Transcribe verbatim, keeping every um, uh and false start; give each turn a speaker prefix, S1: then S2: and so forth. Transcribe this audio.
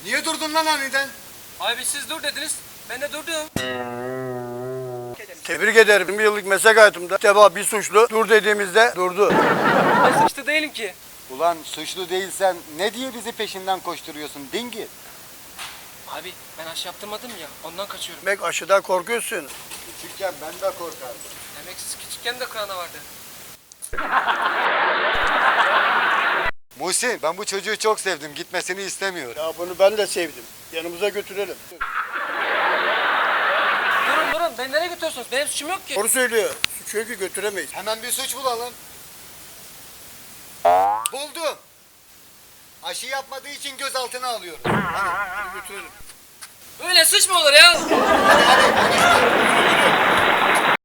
S1: Niye durdun lan aniden?
S2: Abi siz dur dediniz. Ben de durdum.
S3: Tebrik ederim. yirmi yıllık meslek hayatımda ilk defa bir suçlu dur dediğimizde durdu.
S2: Ben suçlu değilim ki.
S1: Ulan suçlu değilsen ne diye bizi peşinden koşturuyorsun dingil?
S2: Abi ben aşı yaptırmadım ya. Ondan kaçıyorum.
S3: Demek aşıdan korkuyorsun.
S1: Küçükken ben de korkardım.
S2: Demek siz küçükken de korona vardı.
S1: Muhsin, ben bu çocuğu çok sevdim. Gitmesini istemiyorum.
S3: Ya bunu ben de sevdim. Yanımıza götürelim.
S2: Durun durun. Beni nereye götürüyorsunuz? Benim suçum yok ki.
S3: Doğru söylüyor. Çünkü götüremeyiz.
S1: Hemen bir suç bulalım. Buldum. Aşı yapmadığı için gözaltına alıyorum.
S3: Hadi götürelim.
S2: Öyle suç mu olur ya?
S1: Hadi hadi konuşma.